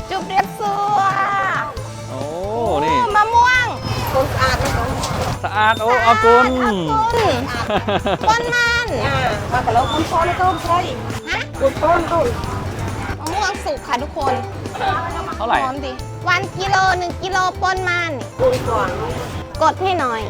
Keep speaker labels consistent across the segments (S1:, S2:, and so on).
S1: จุบเรียบซัว
S2: โอ้นี่
S1: มะม่วง
S3: คนสะอาดนะคน
S2: สะอาดโอ้อากุล
S1: ต้นมัน
S3: มากระโลกคนซ้อนก็ใช่
S1: ฮะ
S3: คนซ้อนก็
S1: มะม่วงสุกค่ะทุกคน
S2: เท่าไหร่
S1: หอมดิวันกิโล1 กิโลปนมัน
S3: คนก่อน
S1: กดให้หน่อย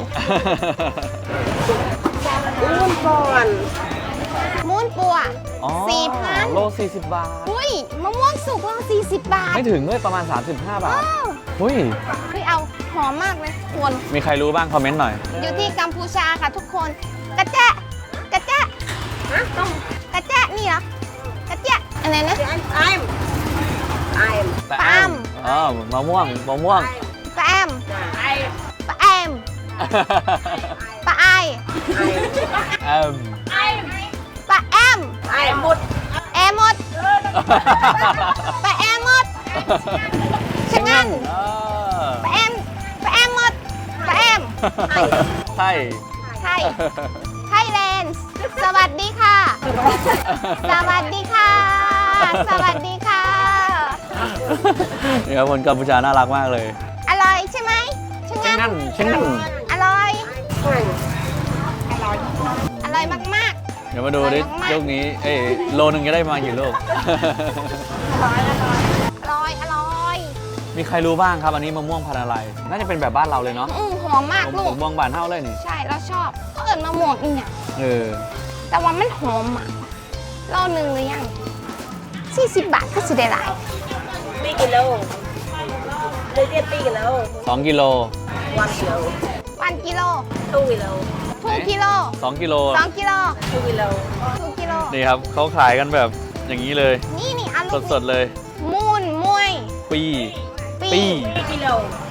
S3: อ้วนก่อน
S1: มูนปัว
S2: อ๋อ
S1: 4,000
S2: โล40 บาท
S1: อุ้ยมะม่วงสุกโล40 บาท
S2: ไม่ถึงเลยประมาณ 35 บาท
S1: อ้าว
S2: หุ้ย
S1: เฮ้ยเอาหอมมากเลยทุกคน
S2: มีใครรู้บ้างคอมเมนต์หน่อย
S1: อยู่ที่กัมพูชาค่ะทุกคน กระแจะกระแจะ
S3: ฮะต้อง
S1: กระแจะนี่เหรอ กระแจะอะไรนะ
S3: ไอ้ไอ้
S2: แต่
S1: ปาล์ม
S2: อ๋อมะม่วง มะม่วง
S1: ปลาแอม
S3: ไอ้
S1: ปลาแอมปลาไอ
S2: แอม
S1: ปลาแอม
S3: ไอ้หมด
S1: แอมหมดปลาแอมหมดชะงัน
S2: เออ
S1: ปลาแอมปลาแอมหมดปลาแอม
S2: ใช่
S1: ไทยไทยแลนด์สวัสดีค่ะ สวัสดีค่ะ สวัสดีค่ะ
S2: นี่ครับคนกัมพูชาน่ารักมากเลย
S1: อร่อยใช่ไหมชะ
S2: เช่น
S1: งั
S2: นั้น นเช่นนั้น
S1: อร่อย
S3: ใช่
S1: อร่อยมาก
S2: เดี๋ยวมาดูดิ
S1: อร่อยมากๆ
S2: ลูกนี้ เอ้ยโลนึงจะได้มากี่ลูก
S1: ๆ อร่อย อร่อย
S2: มีใครรู้บ้างครับ อันนี้มะม่วงพันธุ์อะไร น่าจะเป็นแบบบ้านเราเลยเนาะ
S1: หอมมากลู
S2: มะ
S1: ก
S2: ม่วงบานเท่าเลยนี่
S1: ใช่เราชอบก็เอิญมะม่วงอีกเนี่ย
S2: เออ
S1: แต่ว่ามันหอมอ่ะโลหนึ่งหรือยัง40 บาทก็สิได้หลาย
S3: ปีกิโลเลยเรียกปีกิโล
S2: 2 กิโล
S3: วันกิโล
S1: 1 กิโล
S3: ทูกิโล
S1: 2 กิโล
S2: 2 กิโล
S1: 2 กิโล
S3: ทูกิโล
S1: 2 กิโล
S2: นี่ครับเขาขายกันแบบอย่างนี้เลย
S1: นี่นี่อันลูก
S2: สดๆเลย
S1: มูนมวย
S2: ปี
S1: ปี
S2: ปี
S3: ปีกิโล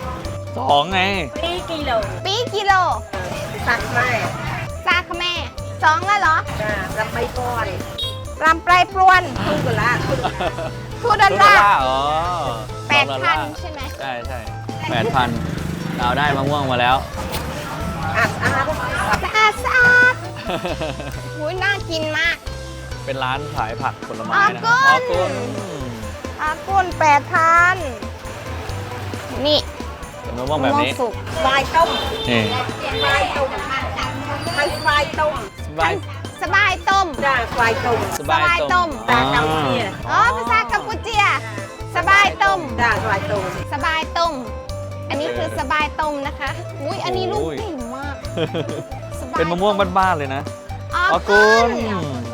S2: 2ไง
S3: ปีกิโล
S1: ปีกิโล
S3: สักแม่
S1: ซาคแม่2แล้วเหรอ
S3: รับใบก่อน
S1: รำปลายปรวน
S3: ทูกละทู
S1: ทูดอลลาร์
S2: อ๋อ
S1: 8,000 ใช่ไหม
S2: ใช่ใช่8,000เราได้มะม่วงมาแล้ว
S3: อัดอาหาร
S1: สะอาดสะอาดหุยน่ากินมาก
S2: เป็นร้านขายผักผลไม้
S1: อา
S2: นะ
S1: กุล
S2: อากุล
S1: อากุน8,000 นี่
S2: เป็นมะม่วงแบบนี้
S1: มะม่วงสุก
S3: สบายต้ม
S2: นี่
S3: สบายต้มทั้งสบายต้ม
S2: สบาย
S1: สบายต้ม
S3: จ้าสบายต้ม
S2: สบายต้ม
S3: ตากัมพูชี
S1: อ๋อ ภาษากัมพูเจีย สบายต้ม
S3: จ้าสบายต้ม
S1: สบายต้ม อันนี้คือสบายต้มนะคะ อุ้ยอันนี้ลูกใหญ่มากสบาย
S2: เป็นมะม่วงบ้านๆเลยนะ
S1: อา
S2: อา
S1: กุ
S2: กุ
S1: ล
S2: ล